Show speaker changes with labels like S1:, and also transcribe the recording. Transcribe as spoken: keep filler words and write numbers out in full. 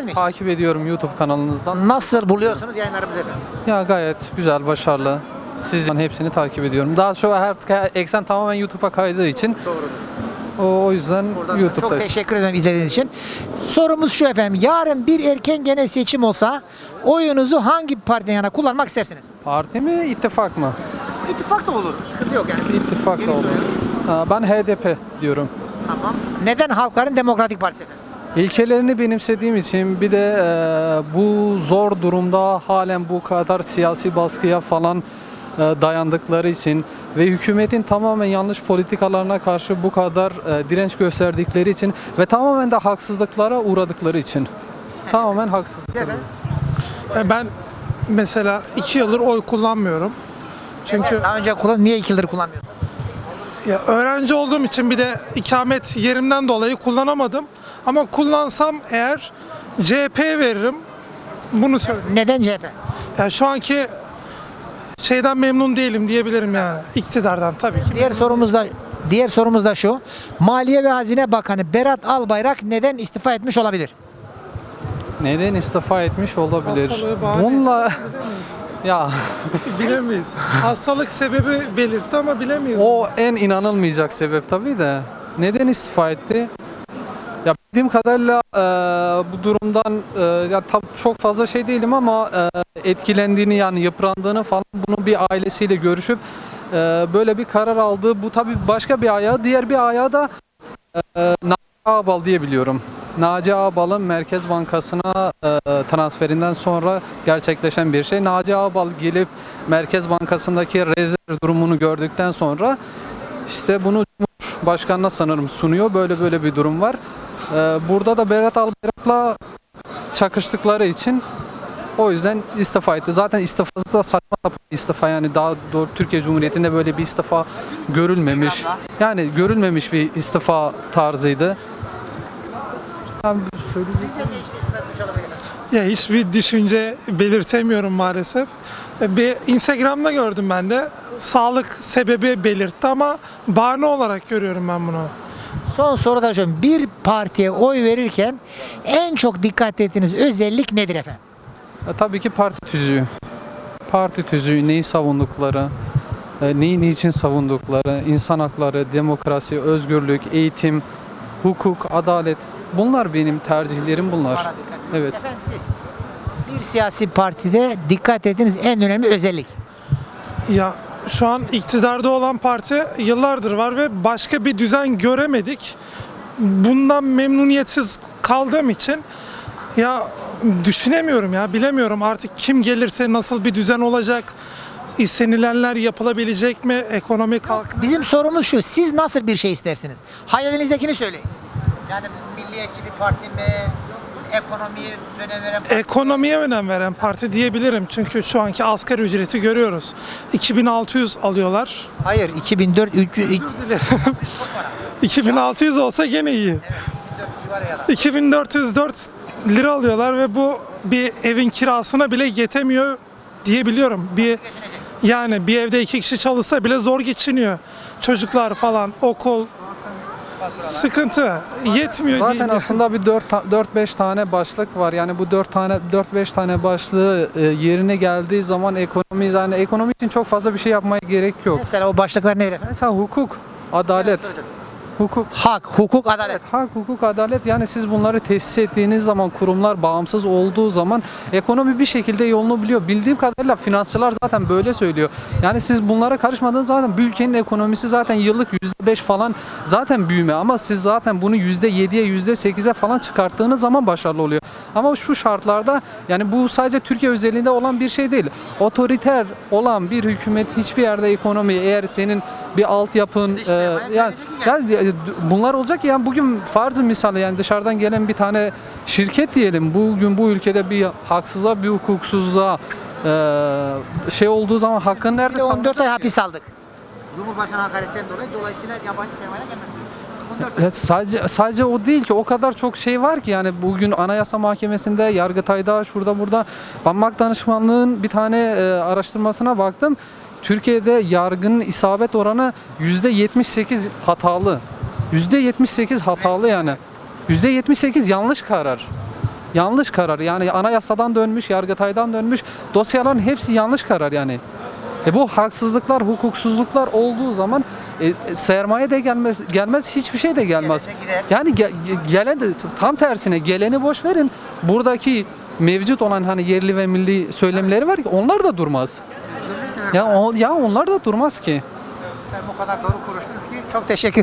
S1: ettiniz mi hiç?
S2: Takip ediyorum YouTube kanalınızdan.
S1: Nasıl buluyorsunuz yayınlarımızı efendim?
S2: Ya gayet güzel, başarılı. Sizin hepsini takip ediyorum. Daha çok her eksen tamamen YouTube'a kaydığı için.
S1: Doğrudur.
S2: O, o yüzden
S1: Buradan da
S2: YouTube'da.
S1: çok teşekkür ederim izlediğiniz için. Sorumuz şu efendim. Yarın bir erken genel seçim olsa oyunuzu hangi partiden yana kullanmak istersiniz?
S2: Parti mi, ittifak mı?
S1: İttifak da olur. Sıkıntı yok yani. Biz
S2: İttifak
S1: geri
S2: da olur.
S1: soruyoruz.
S2: Ha, ben H D P diyorum.
S1: Tamam. Neden Halkların Demokratik Partisi efendim?
S2: İlkelerini benimsediğim için, bir de e, bu zor durumda halen bu kadar siyasi baskıya falan e, dayandıkları için ve hükümetin tamamen yanlış politikalarına karşı bu kadar e, direnç gösterdikleri için ve tamamen de haksızlıklara uğradıkları için. Tamamen haksızlık.
S1: Efendim?
S3: E, Ben mesela iki yıldır oy kullanmıyorum. Çünkü
S1: Daha önce kullan, niye iki yıldır kullanmıyorsunuz?
S3: ya öğrenci olduğum için bir de ikamet yerimden dolayı kullanamadım. Ama kullansam eğer C H P'ye veririm. Bunu söyleyeyim.
S1: Neden C H P?
S3: Ya şu anki şeyden memnun değilim diyebilirim yani. İktidardan tabii ki.
S1: Diğer sorumuz da diğer sorumuz da şu. Maliye ve Hazine Bakanı Berat Albayrak neden istifa etmiş olabilir?
S2: Neden istifa etmiş olabilir?
S3: Hastalığı bahane
S2: Bununla
S3: bilemeyiz.
S2: ya
S3: Bilemeyiz. Hastalık sebebi belirtti ama bilemeyiz.
S2: o en inanılmayacak sebep tabii de. Neden istifa etti? Ya bildiğim kadarıyla e, bu durumdan e, ya tabii çok fazla şey değilim ama e, etkilendiğini, yani yıprandığını falan, bunu bir ailesiyle görüşüp e, böyle bir karar aldı. Bu tabii başka bir ayağı. Diğer bir ayağı da e, Naci Ağbal diye biliyorum. Naci Ağbal'ın Merkez Bankası'na e, transferinden sonra gerçekleşen bir şey. Naci Ağbal gelip Merkez Bankası'ndaki rezerv durumunu gördükten sonra işte bunu Cumhurbaşkanı'na sanırım sunuyor. Böyle böyle bir durum var. Ee, Burada da Berat Albayrak'la çakıştıkları için o yüzden istifa etti. Zaten istifası da saçma sapan bir istifa, yani daha doğru Türkiye Cumhuriyeti'nde böyle bir istifa görülmemiş. Yani görülmemiş bir istifa tarzıydı. Ben söyleyeyim.
S1: Sizce ne için istifa etmiş olabilir efendim?
S3: Ya hiçbir düşünce belirtemiyorum maalesef. Bir Instagram'da gördüm ben de. Sağlık sebebi belirtti ama bahane olarak görüyorum ben bunu.
S1: Son soru da şu. Bir partiye oy verirken en çok dikkat ettiğiniz özellik nedir efendim?
S2: E, tabii ki parti tüzüğü. Parti tüzüğü, neyi savundukları, e, neyi niçin savundukları, insan hakları, demokrasi, özgürlük, eğitim, hukuk, adalet. Bunlar benim tercihlerim bunlar.
S1: Bana dikkat edin.
S2: Evet.
S1: Efendim siz bir siyasi partide dikkat ettiğiniz en önemli özellik.
S3: Ya şu an iktidarda olan parti yıllardır var ve başka bir düzen göremedik. Bundan memnuniyetsiz kaldığım için ya düşünemiyorum ya bilemiyorum artık kim gelirse nasıl bir düzen olacak, istenilenler yapılabilecek mi, ekonomi kalk.
S1: Bizim sorumuz şu. Siz nasıl bir şey istersiniz? Hayalinizdekini söyleyin. Yani milliyetçi bir parti mi? Ekonomiye önem veren parti mi?
S3: Ekonomiye önem veren parti diyebilirim çünkü şu anki asgari ücreti görüyoruz. iki bin altı yüz alıyorlar.
S1: Hayır. iki bin dört üç yüz
S3: iki bin altı yüz olsa gene iyi. iki bin dört yüz dört lira alıyorlar ve bu bir evin kirasına bile yetemiyor diyebiliyorum. Bir yani bir evde iki kişi çalışsa bile zor geçiniyor. Çocuklar falan, okul sıkıntı yetmiyor
S2: Zaten
S3: değil.
S2: aslında bir dört beş tane başlık var. Yani bu dört tane dört beş tane başlığı e, yerine geldiği zaman ekonomi, yani ekonomi için çok fazla bir şey yapmaya gerek yok.
S1: Mesela o başlıklar nedir efendim?
S2: Mesela hukuk, adalet, hukuk.
S1: Hak, hukuk, adalet.
S2: Hak, hukuk, adalet, yani siz bunları tesis ettiğiniz zaman, kurumlar bağımsız olduğu zaman ekonomi bir şekilde yolunu biliyor. Bildiğim kadarıyla finansçılar zaten böyle söylüyor. Yani siz bunlara karışmadığınız zaman bu ülkenin ekonomisi zaten yıllık yüzde beş falan zaten büyüme, ama siz zaten bunu yüzde yediye yüzde sekize falan çıkarttığınız zaman başarılı oluyor. Ama şu şartlarda, yani bu sadece Türkiye özelliğinde olan bir şey değil. Otoriter olan bir hükümet hiçbir yerde ekonomi, eğer senin bir altyapın e, yani, yani bunlar olacak. Yani bugün farzı misal, yani dışarıdan gelen bir tane şirket diyelim, bugün bu ülkede bir haksızlığa, bir hukuksuzluğa e, şey olduğu zaman hakkın nerede
S1: Biz bile on dört ay
S2: savunacak ki?
S1: hapis aldık. Cumhurbaşkanı hakaretten dolayı, dolayısıyla yabancı sermaye gelmez biz. on dört ay.
S2: Ya sadece sadece o değil ki, o kadar çok şey var ki, yani bugün Anayasa Mahkemesi'nde, Yargıtay'da, şurada burada, Banmak Danışmanlığı'nın bir tane e, araştırmasına baktım. Türkiye'de yargının isabet oranı yüzde yetmiş sekiz hatalı. yüzde yetmiş sekiz hatalı yani. yüzde yetmiş sekiz yanlış karar. yanlış karar. Yani anayasadan dönmüş, Yargıtay'dan dönmüş dosyaların hepsi yanlış karar yani. E bu haksızlıklar, hukuksuzluklar olduğu zaman e, sermaye de gelmez, gelmez hiçbir şey de gelmez.
S1: Gelene gider.
S2: Yani ge- ge- gelen de tam tersine geleni boş verin. Buradaki mevcut olan hani yerli ve milli söylemleri var ki onlar da durmaz.
S1: Özgürlüğü severim.
S2: Ya o, ya onlar da durmaz ki.
S1: Ben bu kadar doğru konuştunuz ki çok teşekkür